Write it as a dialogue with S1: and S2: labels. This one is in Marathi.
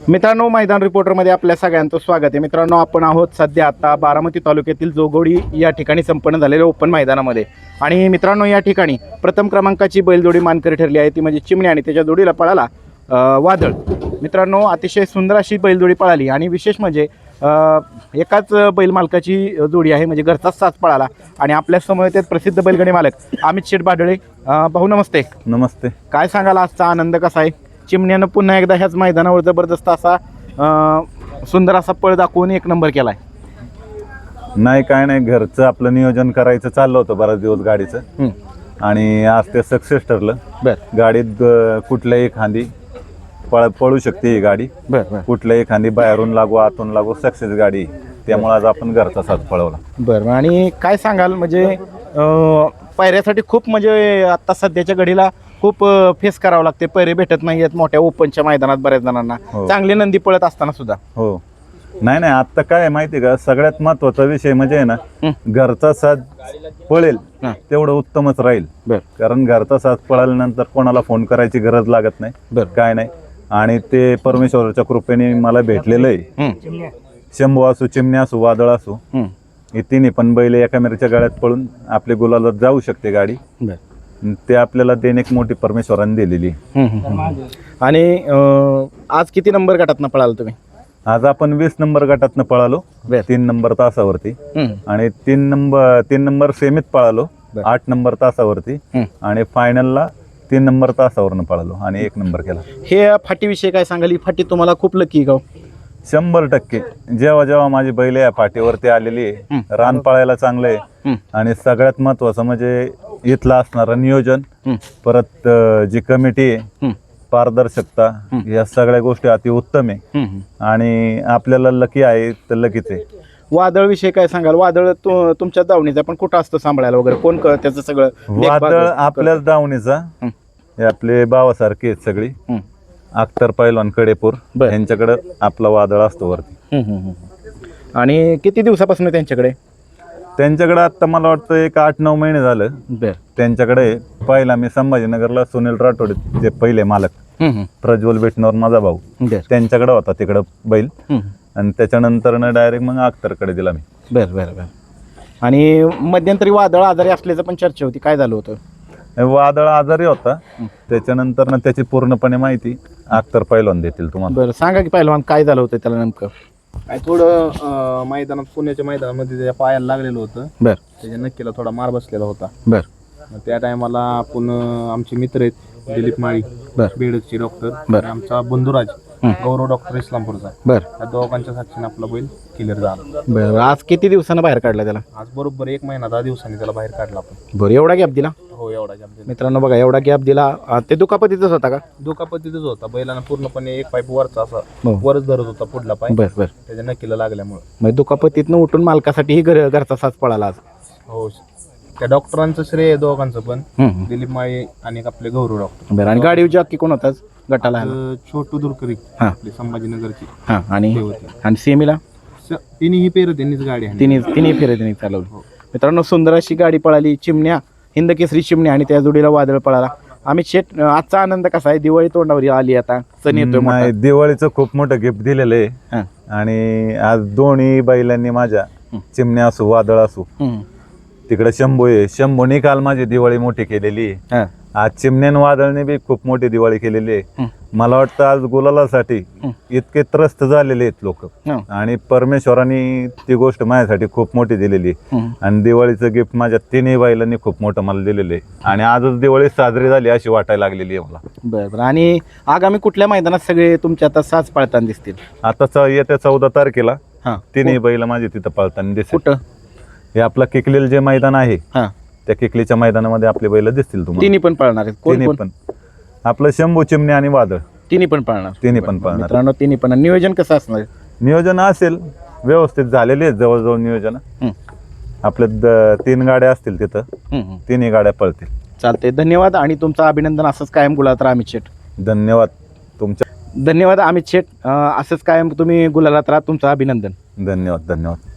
S1: मित्रांनो, मैदान रिपोर्टरमध्ये आपल्या सगळ्यांचं स्वागत आहे. मित्रांनो, आपण आहोत सध्या आता बारामती तालुक्यातील जोगोडी या ठिकाणी संपन्न झालेल्या ओपन मैदानामध्ये. आणि मित्रांनो, या ठिकाणी प्रथम क्रमांकाची बैलजोडी मानकरी ठरली आहे, ती म्हणजे चिमणी आणि त्याच्या जोडीला पळाला वादळ. मित्रांनो, अतिशय सुंदर अशी बैलजोडी पळाली आणि विशेष म्हणजे एकाच बैल मालकाची जोडी आहे, म्हणजे घरचाच साज पळाला. आणि आपल्या समोर ते प्रसिद्ध बैलगाडी मालक अमित शेठ बाडळे. भाऊ नमस्ते.
S2: नमस्ते.
S1: काय सांगाल, आजचा आनंद कसा आहे? चिमण्यानं पुन्हा एकदा ह्याच मैदानावर जबरदस्त असा सुंदर असा पळ दाखवून एक नंबर केलाय.
S2: नाही काय नाही, घरचं आपलं नियोजन करायचं चाललं होतं बराच दिवस गाडीचं, आणि आज ते सक्सेस ठरलं. गाडीत कुठल्याही खांदी पळू शकते ही गाडी. कुठल्याही खांदी बाहेरून लागू आतून लागू सक्सेस गाडी, त्यामुळे आज आपण घरचा साथ पळवला.
S1: बरं. आणि काय सांगाल, म्हणजे पायऱ्यासाठी खूप म्हणजे आता सध्याच्या घडीला खूप फेस करावं लागते, पैरे भेटत नाही आहेत मोठ्या ओपनच्या मैदानात बऱ्याच जणांना. चांगले नंदी पळत असताना सुद्धा.
S2: हो, नाही नाही, आता काय माहिती का, सगळ्यात महत्वाचा विषय म्हणजे ना, घरचा साथ पळेल तेवढं उत्तमच राहील. कारण घरचा साथ पळाल्यानंतर कोणाला फोन करायची गरज लागत नाही, काय नाही. आणि ते परमेश्वराच्या कृपेने मला भेटलेलं आहे. शंभू असो, चिमणी असो, वादळ असो, हे तिन्ही पण बैल एका मेरच्या गाड्यात पळून आपले गुलाला जाऊ शकते गाडी. ते आपल्याला देणे एक मोठी परमेश्वराने दिलेली.
S1: आणि आज किती नंबर गटातनं पळाल तुम्ही?
S2: आज आपण 20 नंबर गटातनं पळालो, 3 नंबर तासावरती. आणि 3 नंबर सेमीत पळालो 8 नंबर तासावरती. आणि फायनलला 3 नंबर तासावरनं पळालो आणि 1 नंबर केला.
S1: हे फाटीविषयी काय सांगाल? ही फाटी तुम्हाला खूप लकी गाव?
S2: 100%. जेव्हा जेव्हा माझी बैल या फाटीवरती आलेली आहे, रान पळायला चांगलं आहे. आणि सगळ्यात महत्वाचं म्हणजे इथलं असणारं नियोजन, परत जी कमिटी आहे, पारदर्शकता, या सगळ्या गोष्टी अति उत्तम आहे. आणि आपल्याला लकी आहे तर लकीच आहे.
S1: वादळ विषयी काय सांगाल? वादळ तुमच्या दावणीचा पण कुठं असतं सांभाळायला वगैरे? कोण त्याचं सगळं?
S2: वादळ आपल्याच दावणीचा, हे आपले भावासारखे आहेत सगळी. अख्तर पैलवान कडेपूर यांच्याकडे आपला वादळ असतो वरती.
S1: आणि किती दिवसापासून त्यांच्याकडे?
S2: त्यांच्याकडे आता मला वाटतं एक 8-9 महिने झालं त्यांच्याकडे. पहिला मी संभाजीनगरला सुनील राठोड जे पहिले मालक, प्रज्वल बेटनवर माझा भाऊ, त्यांच्याकडे होता तिकडं बैल. आणि त्याच्यानंतर डायरेक्ट मग अख्तरकडे दिला मी.
S1: बरं. आणि मध्यंतरी वादळ आजारी असल्याचं पण चर्चा होती, काय झालं होतं?
S2: वादळ आजारी होता, त्याच्यानंतर ना त्याची पूर्णपणे माहिती अख्तर पैलवान देतील तुम्हाला.
S1: बरं, सांगा की पैलवान, काय झालं होतं त्याला नेमकं?
S3: काय थोडं मैदानात, पुण्याच्या मैदानामध्ये त्याच्या पायाला लागलेलं होतं. त्याच्या नक्कीला थोडा मार बसलेला होता. त्या टायमाला आपण आमचे मित्र आहेत दिलीप माळी, बेडचे डॉक्टर, आमचा बंधुराज गौरव डॉक्टर इस्लामपूरचा, या दोघांच्या साक्षीने आपला बैल क्लिअर झाला.
S1: आज किती दिवसानं बाहेर काढला त्याला?
S3: आज बरोबर 1 महिना 10 दिवसांनी त्याला बाहेर काढला आपण.
S1: बरं, एवढा गॅप दिला?
S3: हो, एवढा गॅप दिला.
S1: मित्रांनो बघा, एवढा गॅप दिला. ते दुखापतीतच होता का?
S3: दुखापतीतच होता. बैलानं पूर्णपणे एक पाय वरचा असा वरच धरत होता, पुढला पाय. त्याच्या नक्कीला लागल्यामुळे
S1: म्हणजे दुखापतीतनं उठून मालकासाठी घरचा साज पळाला आज.
S3: हो, त्या डॉक्टरांचं श्रेय आहे दोघांचं पण, दिलीप माळी आणि आपले गौरव डॉक्टर.
S1: बरं. आणि गाडी जॉकी कोण होताच गटाला?
S3: छोटू दुरकरी, आपली संभाजीनगरची.
S1: आणि सेमीला
S3: तिन्ही पेर त्यांनीच गाडी आहे,
S1: तिन्ही फेरे त्यांनी चालवली. मित्रांनो, सुंदर अशी गाडी पळाली. चिमण्या, हिंद केसरी चिमण्या आणि त्या जोडीला वादळ पळाला. अमित शेठ, आजचा आनंद कसा आहे? दिवाळी तोंडावर आली, आता सण येतोय.
S2: दिवाळीचं खूप मोठं गिफ्ट दिलेलं आहे. आणि आज दोन्ही बैलांनी माझ्या, चिमण्या असो वादळ असो, तिकडे शंभू आहे, शंभूने काल माझी दिवाळी मोठी केलेली आहे. आज चिमण्यान वादळने बी खूप मोठी दिवाळी केलेली आहे. मला वाटतं आज गुलालासाठी इतके त्रस्त झालेले आहेत लोक, आणि परमेश्वराने ती गोष्ट माझ्यासाठी खूप मोठी दिलेली आहे. आणि दिवाळीचं गिफ्ट माझ्या तिन्ही बैलांनी खूप मोठं मला दिलेलं आहे. आणि आजच दिवाळी साजरी झाली अशी वाटायला लागलेली आहे मला.
S1: बरं. आणि आगामी कुठल्या मैदानात सगळे तुमच्या आता साज पळताना दिसतील?
S2: आता येत्या 14 तारखेला तिन्ही बैल माझे तिथं पळताना दिसतील.
S1: कुठं?
S2: हे आपलं किकलेल जे मैदान आहे, त्या किकलीच्या मैदानामध्ये आपले बैल दिसतील तुम्हाला.
S1: तिन्ही पण पळणार आहेत?
S2: तिन्ही पण. आपलं शंभू, चिमणी आणि वादळ
S1: तिन्ही पण पळणार?
S2: तिन्ही पण पळणार.
S1: मित्रांनो, तिन्ही पण. नियोजन कसं असणार?
S2: नियोजन असेल व्यवस्थित झालेले आहेत जवळजवळ नियोजन. आपले 3 गाड्या असतील तिथं, तिन्ही गाड्या पळतील.
S1: चालते. धन्यवाद आणि तुमचं अभिनंदन. असंच कायम गुलालात राहा अमित शेठ.
S2: धन्यवाद तुमच्या.
S1: धन्यवाद अमित शेठ. असंच कायम तुम्ही गुलालात राहा. तुमचं अभिनंदन.
S2: धन्यवाद.